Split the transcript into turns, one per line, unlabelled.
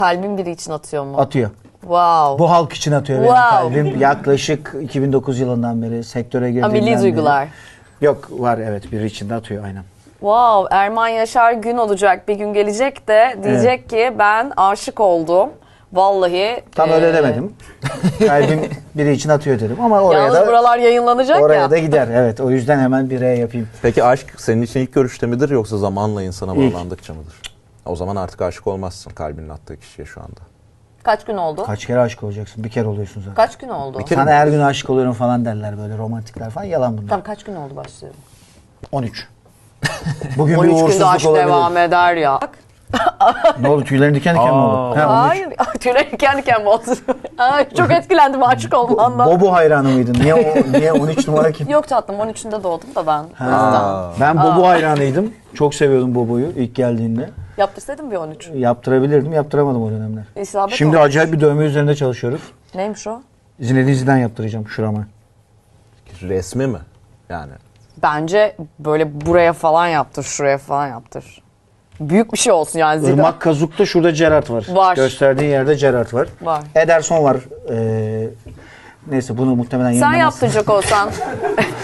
Kalbin biri için atıyor mu?
Atıyor.
Wow.
Bu halk için atıyor benim
Wow.
kalbim. Yaklaşık 2009 yılından beri sektöre girdiğimden
Milli
beri.
duygular.
Yok var evet biri içinde atıyor aynen.
Wow, Erman Yaşar gün olacak, bir gün gelecek de diyecek ki ben aşık oldum. Vallahi.
Tam öyle demedim. Kalbim biri için atıyor dedim ama oraya
Yalnız
da
buralar yayınlanacak
oraya
ya.
da gider. Evet o yüzden hemen bireye yapayım.
Peki aşk senin için ilk görüşte midir yoksa zamanla insana
İlk.
bağlandıkça mıdır? O zaman artık aşık olmazsın kalbinin attığı kişiye şu anda.
Kaç gün oldu?
Kaç kere aşık olacaksın? Bir kere oluyorsun zaten.
Kaç gün oldu?
Bir kere-
Sana her gün aşık oluyorum falan derler böyle romantikler falan. Yalan bunlar.
Tamam, kaç gün oldu başlıyorum?
13. Bugün bir
13 günde
uğursuzluk
aşk
olabilir.
devam eder ya.
Ne oldu tüylerin diken diken mi oldu? Ha, 13.
Hayır, tüylerim kendi kendime oldu. Ay, çok etkilendim aşık olmandan.
Bobo hayranı mıydın? Niye 13 numara kim?
Yok tatlım, 13'ünde doğdum da ben. O yüzden.
Ben Bobo hayranıydım. Çok seviyordum Bobo'yu ilk geldiğinde.
Yaptırsaydım bir 13.
Yaptırabilirdim, yaptıramadım o dönemler.
İsabet
Şimdi
olmuş.
acayip bir dövme üzerinde çalışıyoruz.
Neymiş o?
Zinedine Zidane yaptıracağım şurama.
Resmi mi? Yani
Bence böyle buraya falan yaptır, şuraya falan yaptır. Büyük bir şey olsun yani Zidane.
Irmak Kazuk'ta şurada Gerrard var.
Var.
Gösterdiğin yerde Gerrard var.
Var.
Ederson var. Neyse bunu muhtemelen
Sen
yayınlamazsın.
yaptıracak olsan.